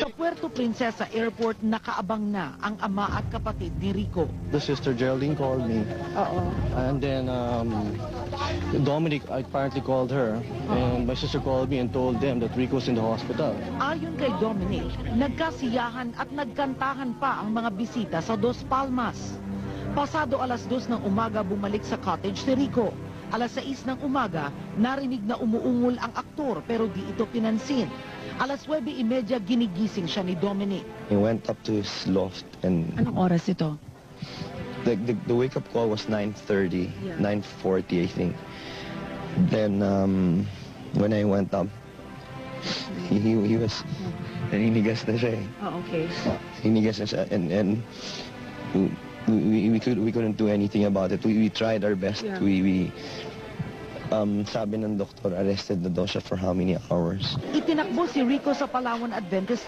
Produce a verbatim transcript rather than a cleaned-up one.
Sa Puerto Princesa Airport, nakaabang na ang ama at kapatid ni Rico. The sister Geraldine called me. Oo. And then um, Dominic apparently called her. And my sister called me and told them that Rico's in the hospital. Ayon kay Dominic, nagkasiyahan at nagkantahan pa ang mga bisita sa Dos Palmas. Pasado alas dos ng umaga bumalik sa cottage si Rico. Alas sais ng umaga, narinig na umuungol ang aktor pero di ito pinansin. Alas nuwebe y media ginigising siya ni Dominic. He went up to his loft and Anong oras ito? the, the, the wake-up call was nine thirty, Yeah. nine forty I think. Then um, when I went up, he, he, he was, naninigas na siya eh. Oh, okay. Hinigas na siya and, and we, we, we, could, we couldn't do anything about it. We, we tried our best. Yeah. We, we, um, sabi ng doktor, arrested na daw siya for how many hours. Itinakbo si Rico sa Palawan Adventist